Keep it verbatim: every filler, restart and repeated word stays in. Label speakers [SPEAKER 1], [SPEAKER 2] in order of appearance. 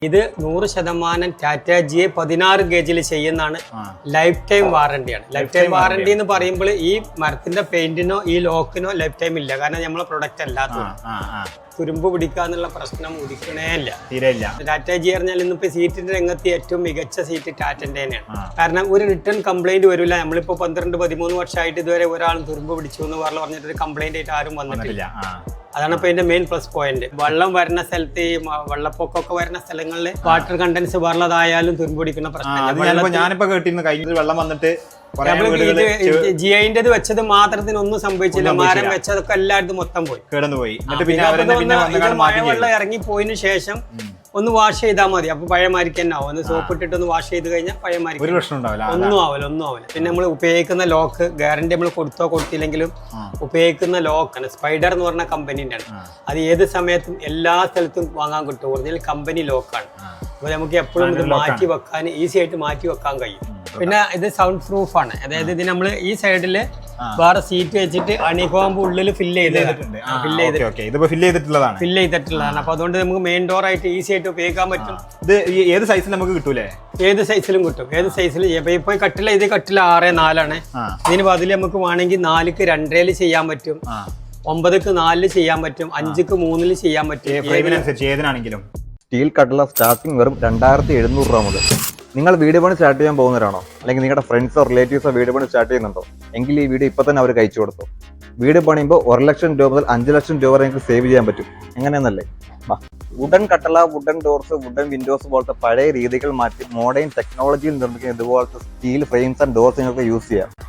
[SPEAKER 1] ഇത് നൂറ് ശതമാനം ടാറ്റ ജിയെ പതിനാറ് ഗേജിൽ ചെയ്യുന്നതാണ്. ലൈഫ് ടൈം വാറണ്ടിയാണ്. ലൈഫ് ടൈം വാറണ്ടി എന്ന് പറയുമ്പോൾ ഈ മരത്തിന്റെ പെയിന്റിനോ ഈ ലോക്കിനോ ലൈഫ് ടൈം ഇല്ല. കാരണം നമ്മളെ പ്രൊഡക്റ്റ് അല്ലാത്ത തുരുമ്പ് പിടിക്കാന്നുള്ള പ്രശ്നം ഉദിക്കണേ ഇല്ല. ടാറ്റ ജി പറഞ്ഞാൽ ഇന്നിപ്പോ സീറ്റിന്റെ രംഗത്ത് ഏറ്റവും മികച്ച സീറ്റ് ടാറ്റന്റെ തന്നെയാണ്. കാരണം ഒരു റിട്ടേൺ കംപ്ലൈന്റ് വരില്ല. നമ്മളിപ്പോ പന്ത്രണ്ട് പതിമൂന്ന് വർഷമായിട്ട് ഇതുവരെ ഒരാളും തുരുമ്പ് പിടിച്ചു എന്ന് പറഞ്ഞു പറഞ്ഞിട്ട് കംപ്ലൈന്റ് ആയിട്ട് ആരും വന്നിട്ടില്ല. അതാണ് ഇപ്പൊ ഇതിന്റെ മെയിൻ പ്ലസ് പോയിന്റ്. വെള്ളം വരുന്ന സ്ഥലത്ത് ഈ വെള്ളപ്പൊക്കമൊക്കെ വരുന്ന സ്ഥലങ്ങളിൽ വാട്ടർ കണ്ടൻസ് വെള്ളതായാലും തുരുമ്പൊടിക്കുന്ന പ്രശ്നം.
[SPEAKER 2] ഞാനിപ്പോ കേട്ടിരുന്നു കഴിഞ്ഞ വെള്ളം വന്നിട്ട്
[SPEAKER 1] ജിഐന്റേത് വെച്ചത് മാത്രത്തിനൊന്നും സംഭവിച്ചില്ല. മരം വെച്ചതൊക്കെ എല്ലായിടത്തും മൊത്തം പോയി
[SPEAKER 2] കിടന്നുപോയി.
[SPEAKER 1] മഴവെള്ളം ഇറങ്ങി പോയതിനു ശേഷം ഒന്ന് വാഷ് ചെയ്താൽ മതി. അപ്പൊ പഴയമാരിക്ക് തന്നെ ആവും. ഒന്ന് സോപ്പ് ഇട്ടിട്ട് ഒന്ന് വാഷ് ചെയ്ത് കഴിഞ്ഞാൽ പഴയമാരിക്ക് ഒന്നും ആവില്ല ഒന്നും ആവില്ല. പിന്നെ നമ്മൾ ഉപയോഗിക്കുന്ന ലോക്ക് ഗ്യാരണ്ടി നമ്മൾ കൊടുത്തോ കൊടുത്തില്ലെങ്കിലും ഉപയോഗിക്കുന്ന ലോക്കാണ്. സ്പൈഡർ എന്ന് പറഞ്ഞ കമ്പനീൻ്റെ ആണ്. അത് ഏത് സമയത്തും എല്ലാ സ്ഥലത്തും വാങ്ങാൻ കിട്ടും. ഒറിജിനൽ കമ്പനി ലോക്കാണ്. അപ്പൊ നമുക്ക് എപ്പോഴും ഇത് മാറ്റി വെക്കാൻ ഈസി ആയിട്ട് മാറ്റി വെക്കാൻ കഴിയും. പിന്നെ ഇത് സൗണ്ട് പ്രൂഫ് ആണ്. അതായത് ഇത് നമ്മൾ ഈ സൈഡില് വേറെ സീറ്റ് വെച്ചിട്ട് അണികോമ്പ് ഉള്ളിൽ ഫില്ല് ചെയ്തിട്ടുണ്ട് ഫില്ല് ചെയ്തിട്ടുള്ളതാണ് ഫില്ല് ചെയ്തിട്ടുള്ളതാണ് അപ്പൊ അതുകൊണ്ട് നമുക്ക് മെയിൻ ഡോർ ആയിട്ട് ഈസി ആയിട്ട് ഉപയോഗിക്കാൻ പറ്റും.
[SPEAKER 2] ഇത് ഏത് സൈസിൽ നമുക്ക് കിട്ടൂലേ?
[SPEAKER 1] ഏത് സൈസിലും കിട്ടും. ഏത് സൈസിൽ ഇപ്പൊ കട്ടില ഇത് കട്ടില ആറ് നാലാണ്. ഇതിന് ബദല് നമുക്ക് വേണമെങ്കിൽ നാലിക്ക് രണ്ടരയില് ചെയ്യാൻ പറ്റും, ഒമ്പതിക്ക് നാലില് ചെയ്യാൻ പറ്റും, അഞ്ചിക്ക് മൂന്നില് ചെയ്യാൻ പറ്റും.
[SPEAKER 2] ഏതിനാണെങ്കിലും
[SPEAKER 3] സ്റ്റീൽ കട്ടില സ്റ്റാർട്ടിംഗ് വെറും രണ്ടായിരത്തി എഴുന്നൂറ് രൂപ മുതൽ. നിങ്ങൾ വീട് പണി സ്റ്റാർട്ട് ചെയ്യാൻ പോകുന്നവരാണോ? അല്ലെങ്കിൽ നിങ്ങളുടെ ഫ്രണ്ട്സോ റിലേറ്റീവ്സോ വീട് പണി സ്റ്റാർട്ട് ചെയ്യുന്നുണ്ടോ? എങ്കിൽ ഈ വീഡിയോ ഇപ്പൊ തന്നെ അവർ കഴിച്ചു കൊടുത്തു. വീട് പണിയുമ്പോൾ ഒരു ലക്ഷം രൂപ മുതൽ അഞ്ച് ലക്ഷം രൂപ വരെ നിങ്ങൾക്ക് സേവ് ചെയ്യാൻ പറ്റും. എങ്ങനെയെന്നല്ലേ? വുഡൻ കട്ടള, വുഡൻ ഡോർസ്, വുഡൻ വിൻഡോസ് പോലത്തെ പഴയ രീതികൾ മാറ്റി മോഡേൺ ടെക്നോളജിയിൽ നിർമ്മിക്കുന്ന ഇതുപോലത്തെ സ്റ്റീൽ ഫ്രെയിംസ് ആൻഡ് ഡോർസ് നിങ്ങൾക്ക് യൂസ് ചെയ്യാം.